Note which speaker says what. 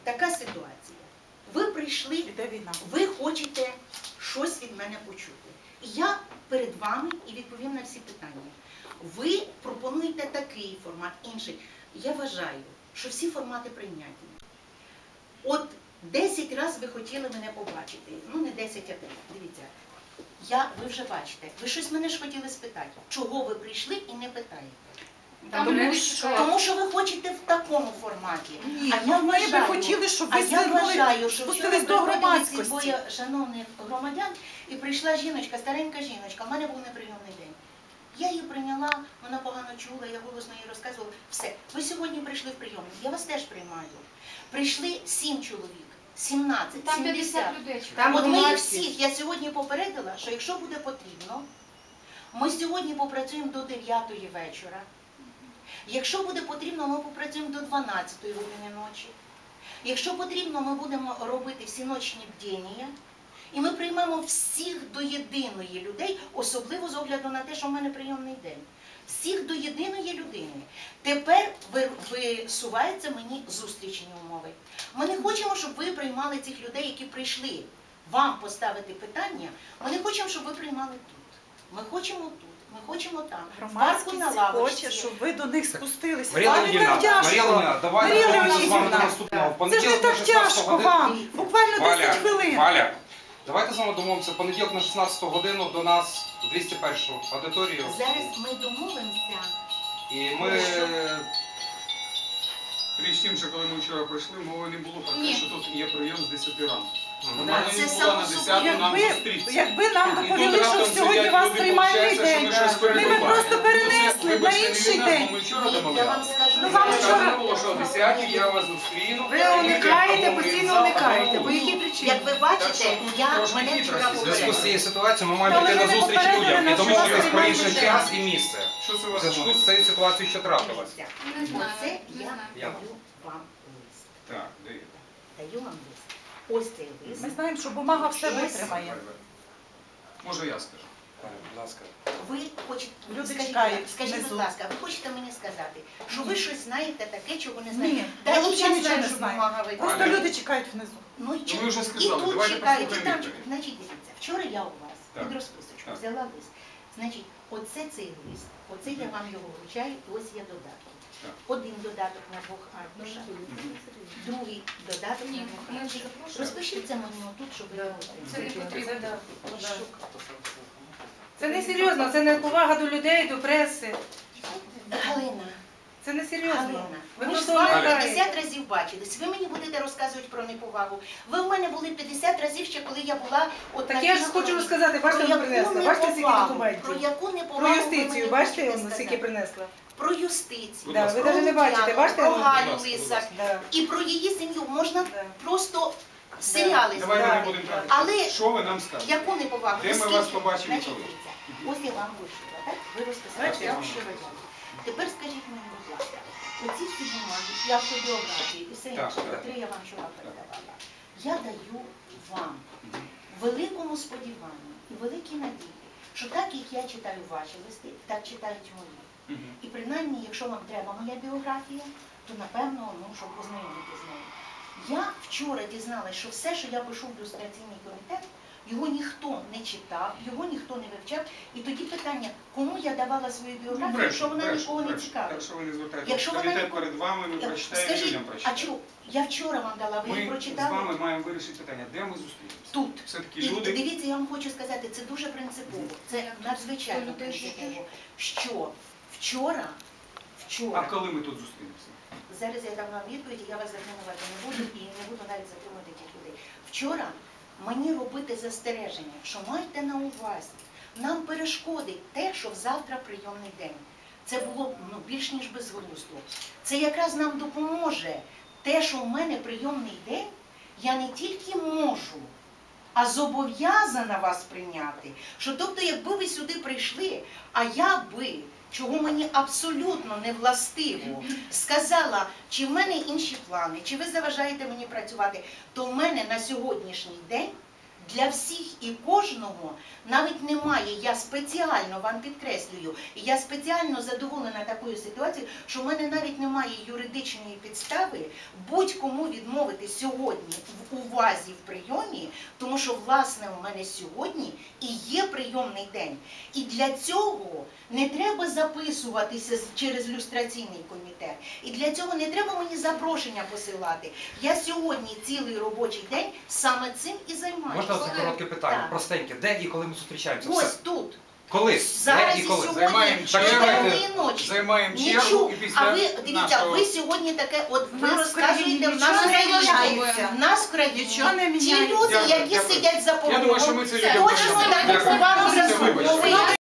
Speaker 1: така ситуація. Ви прийшли, ви хочете щось від мене почути. І я перед вами і відповім на всі питання. Ви пропонуєте такий формат, інший. Я вважаю, що всі формати прийняті. От 10 разів ви хотіли мене побачити. Ну, не 10, а 3. Дивіться. Ви вже бачите. Ви щось мене ж хотіли спитати. Чого ви прийшли і не питаєте? Тому що ви хочете в такому форматі.
Speaker 2: Ні, ми би хотіли, щоб ви спустились до громадськості.
Speaker 1: Двоє шановних громадян, і прийшла жіночка, старенька жіночка, в мене був неприйомний день. Я її прийняла, вона погано чула, я голосно їй розказувала. Все, ви сьогодні прийшли в прийомник, я вас теж приймаю. Прийшли 7 чоловік, 17, 70. От ми їх всіх, я сьогодні попередила, що якщо буде потрібно, ми сьогодні попрацюємо до 9-ї вечора. Якщо буде потрібно, ми попрацюємо до 12-ї години ночі. Якщо потрібно, ми будемо робити всіночні бдіння. І ми приймемо всіх до єдиної людей, особливо з огляду на те, що в мене прийомний день. Всіх до єдиної людини. Тепер висуваються мені зустрічні умови. Ми не хочемо, щоб ви приймали цих людей, які прийшли вам поставити питання. Ми не хочемо, щоб ви приймали тут. Ми хочемо тут. Ми хочемо там.
Speaker 2: Громадськість хоче, щоб ви до них спустилися.
Speaker 3: Марія Леонідівна, давайте з вами до наступного. В
Speaker 2: Це ж не так тяжко вам. Буквально 10 хвилин.
Speaker 3: Валя, давайте з вами домовимося. В понеділок на 16 годину до нас в 201-ю аудиторію.
Speaker 1: Зараз ми домовимося.
Speaker 3: І ми...
Speaker 4: Річ тим, що коли ми вчора прийшли, мови не було про те, що тут є прийом з 10 ранку. Вона не була на 10 нам зустрітися.
Speaker 2: Якби нам доповіли, що сьогодні вас приймальний день, ми б просто перенесли на інший день.
Speaker 1: Я вам скажу,
Speaker 4: Сказано було, що о 10 я вас зустріну.
Speaker 5: Ви уникаєте, постійно уникаєте. По якій причині?
Speaker 1: як ви бачите, мене вчора
Speaker 3: В зв'язку з
Speaker 1: попередили.
Speaker 3: цією ситуацією ми маємо йти на зустріч людям і домовитись про інший час і місце.
Speaker 4: Що це у
Speaker 3: В
Speaker 4: вас
Speaker 3: зв'язку з цією ситуацією, що трапилось.
Speaker 1: Оце я даю вам лист.
Speaker 4: Так, де є?
Speaker 1: Даю вам лист. Ось цей лист.
Speaker 2: Ми знаємо, що бумага все витримає.
Speaker 4: Може я скажу.
Speaker 3: Будь ласка.
Speaker 1: Ви хочете,
Speaker 2: Люди
Speaker 1: скажіть,
Speaker 2: чекають
Speaker 1: скажіть, будь
Speaker 2: внизу.
Speaker 1: ласка, ви хочете мені сказати, що ви щось знаєте таке, чого не знаєте?
Speaker 2: Ні,
Speaker 1: Та
Speaker 2: я
Speaker 1: і
Speaker 2: взагалі нічого
Speaker 1: знаю,
Speaker 2: не
Speaker 1: що
Speaker 2: знаю.
Speaker 1: бумага витримає.
Speaker 2: Просто люди чекають внизу.
Speaker 1: Ну, і
Speaker 4: ви вже сказали,
Speaker 1: і тут
Speaker 4: давайте
Speaker 1: чекають, і
Speaker 4: послухаємо
Speaker 1: там.
Speaker 4: відповідь.
Speaker 1: Значить, дивіться, вчора я у вас
Speaker 4: Так.
Speaker 1: під розписочку
Speaker 4: Так.
Speaker 1: взяла лист. Значить, оце цей лист, оце я вам його вручаю, і ось є додатки.
Speaker 4: Так.
Speaker 1: Один додаток на 2 аркушах, другий додаток на 2 аркушах. Розпишіться мені отут, щоб ви його
Speaker 5: Це не потрібно, так.
Speaker 1: отримали.
Speaker 5: Це не серйозно, це не повага до людей, до преси.
Speaker 1: Галина,
Speaker 5: Це не серйозно.
Speaker 1: Галина,
Speaker 5: Ви
Speaker 1: ми ж з
Speaker 5: просто
Speaker 1: вами
Speaker 5: уникаєте.
Speaker 1: 50 разів бачились. Ви мені будете розказувати про неповагу. Ви в мене були 50 разів ще, коли я була... от
Speaker 5: Так
Speaker 1: на
Speaker 5: я ж
Speaker 1: військовій.
Speaker 5: хочу розказати, бачите,
Speaker 1: Про
Speaker 5: вам
Speaker 1: яку
Speaker 5: принесла. Бачите, скільки
Speaker 1: неповагу?
Speaker 5: документів?
Speaker 1: Про яку неповагу
Speaker 5: Про
Speaker 1: ви
Speaker 5: юстицію,
Speaker 1: мені
Speaker 5: бачите,
Speaker 1: хочете
Speaker 5: он скільки
Speaker 1: сказати?
Speaker 5: принесла?
Speaker 1: Про юстицію,
Speaker 4: Будь
Speaker 5: Да,
Speaker 4: ласка.
Speaker 5: ви навіть не бачите,
Speaker 1: Лук'яну,
Speaker 5: бачите?
Speaker 1: про
Speaker 5: он?
Speaker 1: Галю
Speaker 4: Будь ласка,
Speaker 1: Лисак.
Speaker 5: Да.
Speaker 1: І про її сім'ю можна
Speaker 5: Да.
Speaker 1: просто серіали
Speaker 4: Давайте
Speaker 1: зняти.
Speaker 4: не будемо тратити.
Speaker 1: Але
Speaker 4: Що ви нам скажете?
Speaker 1: яку неповагу?
Speaker 4: Де ми
Speaker 1: Оскільки-
Speaker 4: вас побачимо
Speaker 1: Значить,
Speaker 4: коли?
Speaker 1: дивіться, ось я вам вирішила, так? Ви розписали, я вам щиро дякую. Тепер скажіть мені, будь ласка, оці всі бумаги, і автобіографії, і все
Speaker 4: Так,
Speaker 1: інше,
Speaker 4: так.
Speaker 1: котрі я вам вчора передавала, я даю вам великому сподіванню і великій надії, що так, як я читаю ваші листи, так читають мої. І принаймні, якщо вам треба моя біографія, то напевно, щоб ознайомити з нею. Я вчора дізналася, що все, що я пишу в люстраційний комітет, його ніхто не читав, його ніхто не вивчав. І тоді питання, кому я давала свою біографію, якщо вона нікого не цікавить.
Speaker 4: Якщо ви не звертаєте,
Speaker 1: Якщо вона
Speaker 4: комітет
Speaker 1: нікого-
Speaker 4: перед вами, ми прочитаємо,
Speaker 1: Скажіть,
Speaker 4: людям
Speaker 1: а
Speaker 4: прочитаємо.
Speaker 1: чому? Я вчора вам дала, ви її
Speaker 4: Ми з
Speaker 1: прочитали?
Speaker 4: вами маємо вирішити питання, де ми зустрінемося.
Speaker 1: Тут.
Speaker 4: Все-таки
Speaker 1: І
Speaker 4: люди...
Speaker 1: дивіться, я вам хочу сказати, це дуже принципово, це надзвичайно принципово, що вчора,
Speaker 4: А коли ми тут зустрінемося?
Speaker 1: зараз я дам вам відповідь, і я вас затримувати не буду, і не буду навіть затримувати тих людей. Вчора мені робити застереження, що майте на увазі, нам перешкодить те, що завтра прийомний день. Це було більш ніж безглуздо. Це якраз нам допоможе те, що в мене прийомний день, я не тільки можу, а зобов'язана вас прийняти. Що тобто, якби ви сюди прийшли, а я би, чого мені абсолютно не властиво, сказала, чи в мене інші плани, чи ви заважаєте мені працювати, то в мене на сьогоднішній день для всіх і кожного навіть немає, я спеціально вам підкреслюю, і я спеціально задоволена такою ситуацією, що в мене навіть немає юридичної підстави будь-кому відмовити сьогодні в увазі в прийомі, тому що, власне, у мене сьогодні і є прийомний день. І для цього не треба записуватися через люстраційний комітет. І для цього не треба мені запрошення посилати. Я сьогодні цілий робочий день саме цим і займаюся.
Speaker 3: Можна це коротке питання?
Speaker 1: Так.
Speaker 3: Простеньке. Де і коли ми зустрічаємося?
Speaker 1: Ось
Speaker 3: Все.
Speaker 1: тут.
Speaker 3: Коли?
Speaker 1: Зараз
Speaker 3: Де
Speaker 1: і
Speaker 3: і коли?
Speaker 1: сьогодні,
Speaker 4: Займаємо
Speaker 1: до
Speaker 4: чергу.
Speaker 1: темної ночі.
Speaker 4: Займаємо чергу
Speaker 1: Нічого.
Speaker 4: і після
Speaker 1: А ви, дивіться,
Speaker 4: нашого...
Speaker 1: ви сьогодні таке, от ви
Speaker 5: нас в
Speaker 1: розказуєте, в
Speaker 5: країні
Speaker 1: нас в
Speaker 5: нічого не
Speaker 1: країні,
Speaker 5: міняється.
Speaker 1: в нас в країні,
Speaker 5: Нічого не
Speaker 1: ті
Speaker 5: міняється.
Speaker 1: люди,
Speaker 4: Дякую,
Speaker 1: які
Speaker 4: дякую.
Speaker 1: сидять за
Speaker 4: Я думаю, що
Speaker 1: порогом,
Speaker 4: ми це людям
Speaker 1: точно
Speaker 4: пояснимо.
Speaker 1: таку
Speaker 4: Дякую.
Speaker 1: повагу
Speaker 4: Це вибачте.
Speaker 1: заслуговують.